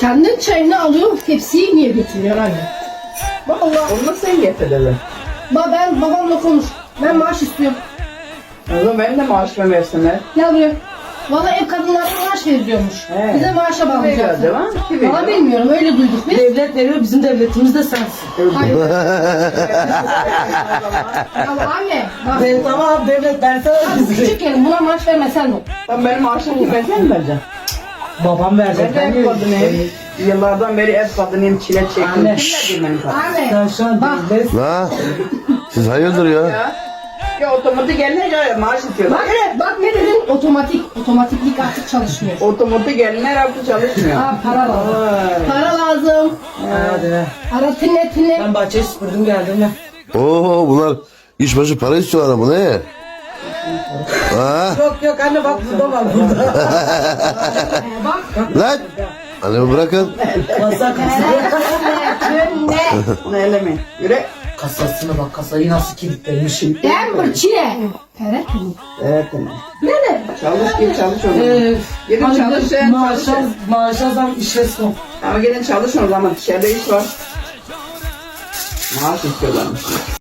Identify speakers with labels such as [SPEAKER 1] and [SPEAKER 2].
[SPEAKER 1] Kendin çayını alıyor, tepsiyi niye götürüyor anne? Vallahi.
[SPEAKER 2] Onu da sen getir dedi.
[SPEAKER 1] Ben babamla konuş. Ben maaş istiyorum.
[SPEAKER 2] O zaman benim de maaşımı versinler.
[SPEAKER 1] Gel buraya. Vallahi ev kadınlarına maaş veriyormuş.
[SPEAKER 2] He.
[SPEAKER 1] Bize maaşa
[SPEAKER 2] Veriyor
[SPEAKER 1] bağlayacaksın.
[SPEAKER 2] değil mi? Kim veriyor?
[SPEAKER 1] Valla bilmiyorum, öyle duyduk biz.
[SPEAKER 3] Devlet veriyor, bizim devletimiz de sensin.
[SPEAKER 1] Hayır. Ya anne, bak.
[SPEAKER 3] Ben tamam devlet versene
[SPEAKER 1] Bak,
[SPEAKER 3] bizi.
[SPEAKER 1] küçük yerim, buna maaş vermesen mi?
[SPEAKER 2] Tam benim maaşımı kim sen mi vereceksin?
[SPEAKER 3] Babam verecek.
[SPEAKER 2] Ben de ev kadınıyım. Yıllardan beri ev kadınıyım, çile çektim.
[SPEAKER 3] Anne.
[SPEAKER 2] Kim verdi benim kadın?
[SPEAKER 1] Anne.
[SPEAKER 3] Sen şu an
[SPEAKER 1] Bak.
[SPEAKER 3] devlet.
[SPEAKER 4] La siz hayırdır ya?
[SPEAKER 2] Ya otomatik gelince maaş istiyorlar.
[SPEAKER 1] Bak ne dedin? Otomatiklik artık çalışmıyor.
[SPEAKER 2] Otomatik gelinler artık çalışmıyor.
[SPEAKER 1] Ha, para lazım.
[SPEAKER 2] Vay.
[SPEAKER 1] Para lazım.
[SPEAKER 3] Hadi be.
[SPEAKER 1] Para tinle.
[SPEAKER 3] Ben bahçeyi süpürdüm geldim ya.
[SPEAKER 4] Oo bunlar iş başı para istiyorlar ama ne? Ha?
[SPEAKER 3] Yok anne bak burada var burada.
[SPEAKER 1] Bak.
[SPEAKER 4] Lan! Annemi bırakın.
[SPEAKER 3] Kasa
[SPEAKER 1] Tinle.
[SPEAKER 2] Onu elemeyin. Yürü.
[SPEAKER 3] Kasasına bak kasayı nasıl kilitlemişim.
[SPEAKER 1] Denver çile. Evet.
[SPEAKER 2] Evet anne.
[SPEAKER 1] Ne?
[SPEAKER 2] Çalış git çalış o zaman. Gidin çalışın, çalışın.
[SPEAKER 3] Maaşa zam işlesin.
[SPEAKER 2] Ama gidin çalışın o zaman. Dışarıda iş var. Maaş istiyorlarmış.